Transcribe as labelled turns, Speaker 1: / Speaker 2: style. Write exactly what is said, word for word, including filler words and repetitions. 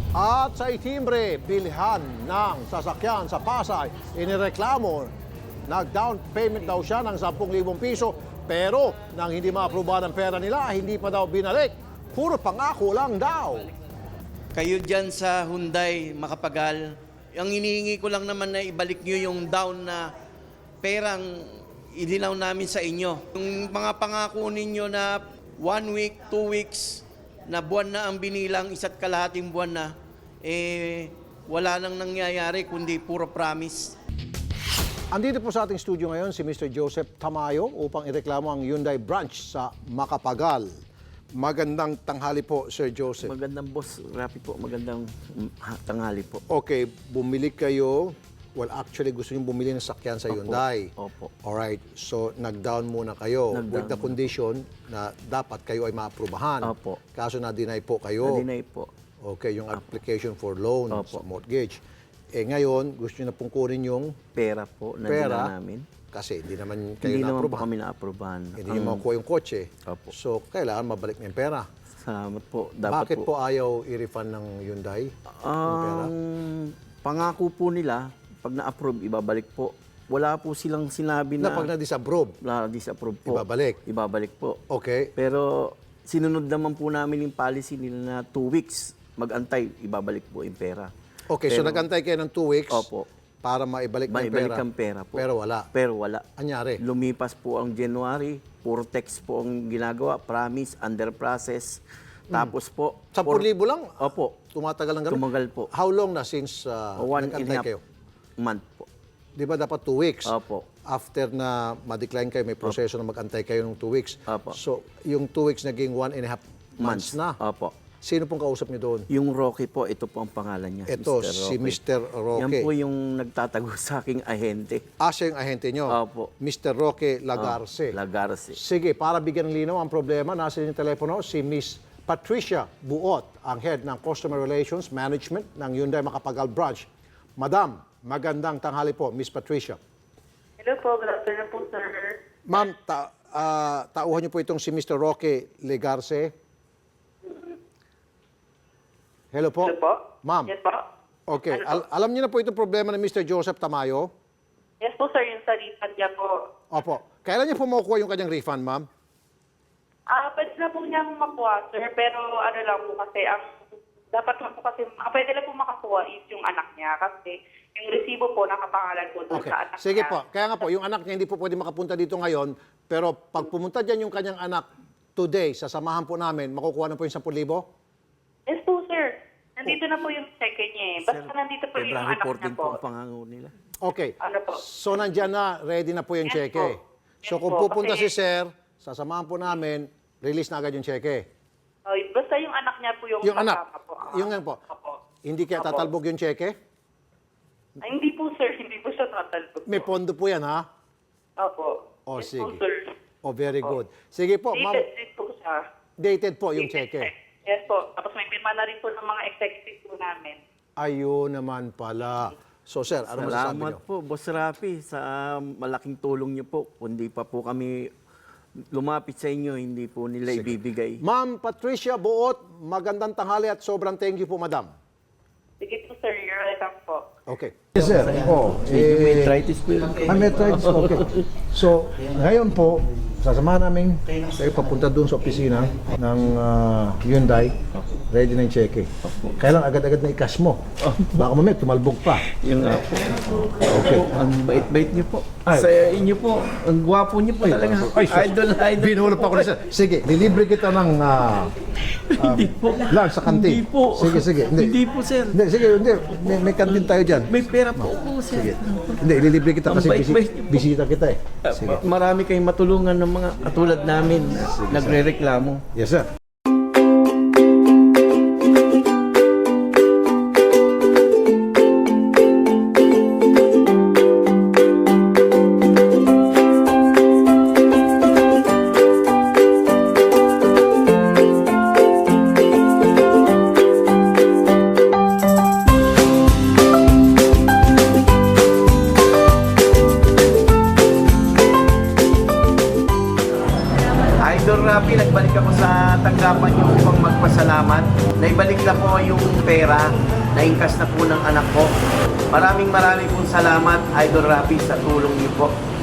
Speaker 1: At sa itimbre, bilhan ng sasakyan sa Pasay, inireklamo, nag-down payment daw siya ng ten thousand piso, pero nang hindi maaprubahan ang pera nila, hindi pa daw binalik. Puro pangako lang daw.
Speaker 2: Kayo dyan sa Hyundai, Makapagal, ang inihingi ko lang naman na ibalik nyo yung down na perang idinaw namin sa inyo. Yung mga pangako ninyo na one week, two weeks, na buwan na ang binilang, isa't kalahating buwan na, eh, wala nang nangyayari kundi puro promise.
Speaker 1: Andito po sa ating studio ngayon si Mister Joseph Tamayo upang ireklamo ang Hyundai branch sa Makapagal. Magandang tanghali po, Sir Joseph.
Speaker 2: Magandang boss, Rapi po, magandang tanghali po.
Speaker 1: Okay, bumili kayo. Well, actually, gusto niyo bumili ng sakyan sa
Speaker 2: Opo,
Speaker 1: Hyundai.
Speaker 2: opo.
Speaker 1: Alright, so nag-down muna kayo
Speaker 2: Nag-down
Speaker 1: with the
Speaker 2: muna.
Speaker 1: condition na dapat kayo ay maaprubahan.
Speaker 2: Opo.
Speaker 1: Kaso na-deny po kayo.
Speaker 2: Na-deny po.
Speaker 1: Okay, yung application for loan sa
Speaker 2: Opo.
Speaker 1: mortgage. Eh ngayon, gusto niyo na pong kunin yung
Speaker 2: Pera po, na
Speaker 1: pera
Speaker 2: dala namin.
Speaker 1: kasi hindi naman kayo
Speaker 2: Hindi naman po
Speaker 1: na-aprubahan.
Speaker 2: kami na-aprobahan.
Speaker 1: Hindi niyo makukuha yung kotse.
Speaker 2: Opo.
Speaker 1: So, kailangan mabalik na yung pera.
Speaker 2: Salamat po. Dapat
Speaker 1: Bakit po ayaw i-refund ng Hyundai?
Speaker 2: Ang pangako po nila, pag na-approve, ibabalik po. Wala po silang sinabi
Speaker 1: Na
Speaker 2: na,
Speaker 1: pag na-disapprove,
Speaker 2: na disapprove po.
Speaker 1: ibabalik.
Speaker 2: Ibabalik po.
Speaker 1: Okay.
Speaker 2: Pero sinunod naman po namin yung policy nila na two weeks mag-antay, ibabalik po yung pera.
Speaker 1: Okay, so
Speaker 2: Pero-
Speaker 1: nag-antay kayo ng two weeks
Speaker 2: Opo.
Speaker 1: para maibalik na yung
Speaker 2: Maibalik
Speaker 1: pera.
Speaker 2: ang pera po.
Speaker 1: Pero wala.
Speaker 2: Pero wala.
Speaker 1: Anyari?
Speaker 2: Lumipas po ang January, puro text po ang ginagawa, promise, under process. Tapos po,
Speaker 1: ten
Speaker 2: for-
Speaker 1: thousand lang?
Speaker 2: Opo,
Speaker 1: Tumatagal ng ganun?
Speaker 2: tumagal po.
Speaker 1: How long na since uh,
Speaker 2: One and a
Speaker 1: nag-antay
Speaker 2: half
Speaker 1: kayo?
Speaker 2: month po.
Speaker 1: Di ba dapat two weeks?
Speaker 2: Opo.
Speaker 1: After na ma-decline kayo, may proseso na mag-antay kayo ng two weeks.
Speaker 2: Opo.
Speaker 1: So, yung two weeks naging one and a half months, na.
Speaker 2: Opo.
Speaker 1: Sino pong kausap niyo doon?
Speaker 2: Yung Rocky po, ito po ang pangalan niya.
Speaker 1: Ito,
Speaker 2: Mister
Speaker 1: si
Speaker 2: Rocky.
Speaker 1: Mister Roque.
Speaker 2: Yan po yung nagtatago sa aking ahente.
Speaker 1: Ah, siya yung ahente niyo?
Speaker 2: Opo.
Speaker 1: Mister Roque Lagarce.
Speaker 2: Lagarce.
Speaker 1: Sige, para bigyan ng linaw ang problema, nasa yung telepono si Miss Patricia Buot, ang head ng Customer Relations Management ng Hyundai Makapagal Branch. Madam, magandang tanghali po, Miss Patricia.
Speaker 3: Hello po, good afternoon po, sir.
Speaker 1: Ma'am, ta ah, tauhan niyo po itong si Mister Roque Legarce. Hello po.
Speaker 3: Hello po?
Speaker 1: Ma'am.
Speaker 3: Yes po?
Speaker 1: Okay,
Speaker 3: Ano po?
Speaker 1: al- alam niyo na po itong problema ng Mister Joseph Tamayo?
Speaker 3: Yes po, sir, yung sa refund niya po.
Speaker 1: Opo. Kailan niya po makukuha yung kanyang refund, ma'am?
Speaker 3: Ah, pwede na po niyang makuha, sir, pero ano lang po kasi, ang dapat lang po kasi, ah, pwede lang po makakuha is yung anak niya kasi yung resibo po nakapangalan po doon
Speaker 1: Okay.
Speaker 3: sa anak
Speaker 1: Sige
Speaker 3: niya.
Speaker 1: po. Kaya nga po, yung anak niya hindi po pwede makapunta dito ngayon, pero pag pumunta dyan yung kanyang anak today, sasamahan po namin, makukuha na po yung ten thousand?
Speaker 3: Yes po, sir. Nandito na po yung check niya eh. Basta nandito po yung
Speaker 2: February
Speaker 3: anak niya
Speaker 2: fourteen
Speaker 3: po.
Speaker 2: po ang pangango nila.
Speaker 1: Okay.
Speaker 3: Ano po?
Speaker 1: So nandyan na, ready na po yung
Speaker 3: Yes
Speaker 1: cheque.
Speaker 3: po.
Speaker 1: So
Speaker 3: Yes
Speaker 1: kung
Speaker 3: po,
Speaker 1: pupunta
Speaker 3: kasi-
Speaker 1: si sir, sasamahan po namin, release na agad yung cheque.
Speaker 3: Oh, basta yung anak niya po yung
Speaker 1: Yung anak,
Speaker 3: kasama po. Ah,
Speaker 1: yung yan po.
Speaker 3: Opo.
Speaker 1: Hindi kaya
Speaker 3: Opo.
Speaker 1: tatalbog yung cheque?
Speaker 3: Ay, hindi po, sir. Hindi po siya tatalbog.
Speaker 1: May pondo po yan, ha?
Speaker 3: Opo.
Speaker 1: Oh,
Speaker 3: Yes po,
Speaker 1: sige.
Speaker 3: sir.
Speaker 1: Oh, very good. Sige po, ma'am.
Speaker 3: Dated din po siya.
Speaker 1: Dated po yung
Speaker 3: Dated
Speaker 1: cheque.
Speaker 3: check. Yes po. Tapos may pirma na rin po ng mga executive po namin.
Speaker 1: Ayun naman pala. So sir, ano masasabi
Speaker 2: Salamat
Speaker 1: niyo?
Speaker 2: po, Boss Rafi, sa malaking tulong niyo po. Kundi pa po kami lumapit sa inyo, hindi po nila ibibigay.
Speaker 1: Ma'am Patricia Buot, magandang tanghali at sobrang thank you po, madam.
Speaker 3: Sige po, sir. You're welcome po.
Speaker 1: Okay. Yes, sir. Oh,
Speaker 2: May arthritis po yun.
Speaker 1: Ah, may arthritis. Okay. So, ngayon po, sasamahan namin kayo papunta doon sa opisina ng ah, Hyundai. Ready na yung cheque. Kailan agad-agad na i-cash mo. Baka mamaya tumalbog pa.
Speaker 2: Yung nga po.
Speaker 1: Okay.
Speaker 2: Ang bait-bait niyo po.
Speaker 1: Ay.
Speaker 2: Sa inyo po, ang gwapo niyo po talaga.
Speaker 1: Ay, sus.
Speaker 2: Idol, idol.
Speaker 1: Binulot pa ko na sir. Sige, lilibre kita ng ah, ah,
Speaker 2: Hindi po.
Speaker 1: lunch sa kantin.
Speaker 2: Hindi po.
Speaker 1: Sige, sige.
Speaker 2: Hindi po, sir.
Speaker 1: Hindi, sige, hindi. May, may kantin tayo dyan.
Speaker 2: May pera po po, sir.
Speaker 1: Sige. Hindi, ililibre kita
Speaker 2: Ang
Speaker 1: kasi bisi,
Speaker 2: bait-bait niyo po.
Speaker 1: bisita kita eh.
Speaker 2: Uh,
Speaker 1: Sige.
Speaker 2: ma- Marami kayong matulungan ng mga katulad namin na nagre-reklamo.
Speaker 1: Yes, sir.
Speaker 2: Idol Rapi, nagbalik ako sa Taguig. salamat. Naibalik na po yung pera, naingkas na po ng anak ko. Maraming maraming pong salamat, Idol Rafi, sa tulong niyo po.